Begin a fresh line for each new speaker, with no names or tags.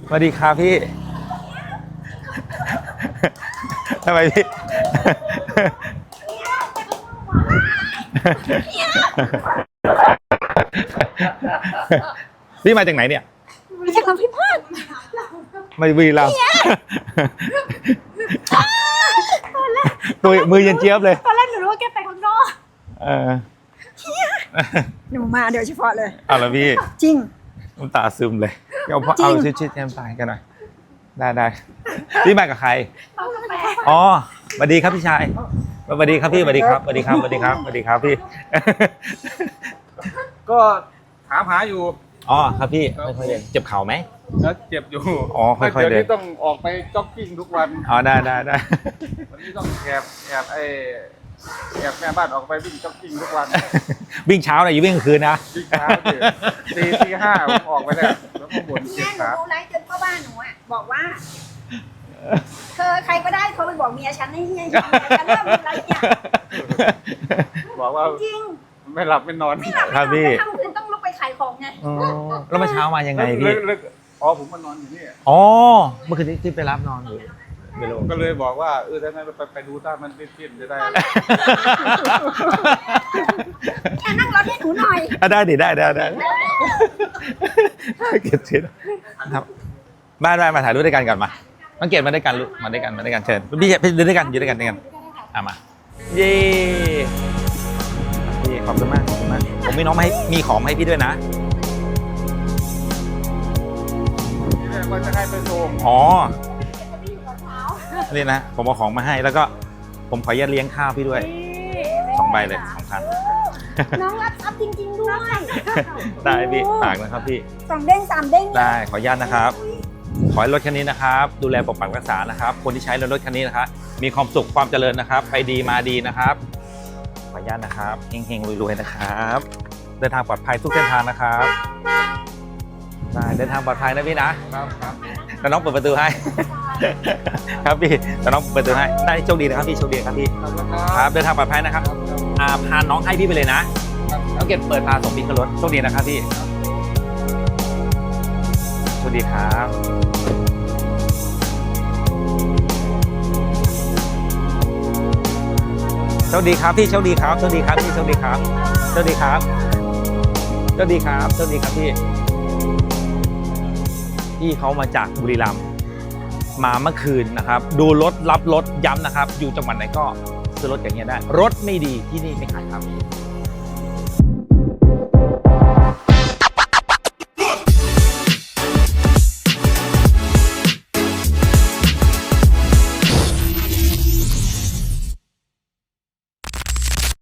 สวัสดีครับพี่ทำไมพี่พี่มาจากไหนเนี่ย
มาจากลำพิพาท
มาบุรีรัมย์ตัวมือเย็นเจี๊ยบเลย
ตอนแรกหนูรู้ว่าแกไปข้างนอกหนูมาเดี๋ยวเฉพาะเลย
เอาละพี่
จริง
น้ำตาซึมเลยเอาชิดแก้มตายกันหน่อยได้พี่มากับใครอ๋อสวัสดีครับพี่ชายสวัสดีครับพี่สวัสดีครับสวัสดีครับสวัสดีครับสวัสดีครับพี่
ก็ถามหาอยู่
อ๋อครับพี่ค่อยๆเดินเจ็บเข่าไหม
แล้วเจ็บอยู่
อ๋อค่อยๆเดิน
เดี๋ยวนี้ต้องออกไปจ็อกกิ้งทุกวัน
อ๋อได้
วันนี้ต้องแอบแม่บ้านออกไปวิ่งจ็อกกิ้งทุกวัน
วิ่งเช้าเลยอย่าวิ่งกลางคืนนะ
วิ่งเช้าตีห้าผมออกไปแล้วก็บ่นเจ็บขา
แม่หนูไลฟ์จนพ่อบ้านหนูอ่ะบอกว่าเธอใครก็ได้โทรไปบอกเมียฉันให้เฮียฉันเริ่มไลฟ์เนี่ย
บอกว่า
จริง
ไม่หลับไม่นอน
ครับพี่
ทำคืนต้องลุกไปขายของไง
แล้วเมื่อเช้ามายังไงพี่
อ๋อผมมานอนอยู่นี่
อ๋อเมื่อคืนที่ไปรับนอนอยู่
ก็เลยบอกว่าถ้างั้นไปดูถ้ามันเต้นจะได้
นั่งรถให้หนูหน่อย
ได้ดิได้เก็บเสร็จครับบ้านมาถ่ายรูปด้วยกันก่อนมาน้องเกดมาด้วยกันลูกมาด้วยกันเชิญพี่เดินด้วยกันอยู่ด้วยกันมาเย้พี่ขอบคุณมากผมมีน้องมาให้มีของให้พี่ด้วยนะ
ว่าจะให้ไปส่ง
อ๋อนี่นะผมเอาของมาให้แล้วก็ผมขออนุญาตเลี้ยงข้าวพี่ด้วย2 ใบเลย2,000
น้องรับจริงๆด้วย
ได้พี่ฝากนะครับพี่
2 เด้ง 3 เด้ง
ได้ขออนุญาตนะครับขอให้รถคันนี้นะครับดูแลปกปักรักษานะครับคนที่ใช้รถคันนี้นะครับมีความสุขความเจริญนะครับไปดีมาดีนะครับขออนุญาตนะครับเฮงๆรวยๆนะครับเดินทางปลอดภัยทุกเส้นทางนะครับได้เดินทางปลอดภัยนะพี่นะครับแล้วน้องเปิดประตูให้ครับพี่แล้วน้องเปิดประตูให้ได้โชคดีนะครับพี่โชคดีครับพี่ครับเดินทางปลอดภัยนะครับพาน้องให้พี่ไปเลยนะน้องเก็บเปิดพาส่งพี่ขึ้นรถโชคดีนะครับพี่โชคดีครับโชคดีครับพี่โชคดีครับโชคดีครับพี่โชคดีครับโชคดีครับโชคดีครับโชคดีครับพี่เขามาจากบุรีรัมย์มาเมื่อคืนนะครับดูรถรับรถย้ำนะครับอยู่จังหวัดไหนก็ซื้อรถอย่างเงี้ยได้รถไม่ดีที่นี่ไม่ขายครับ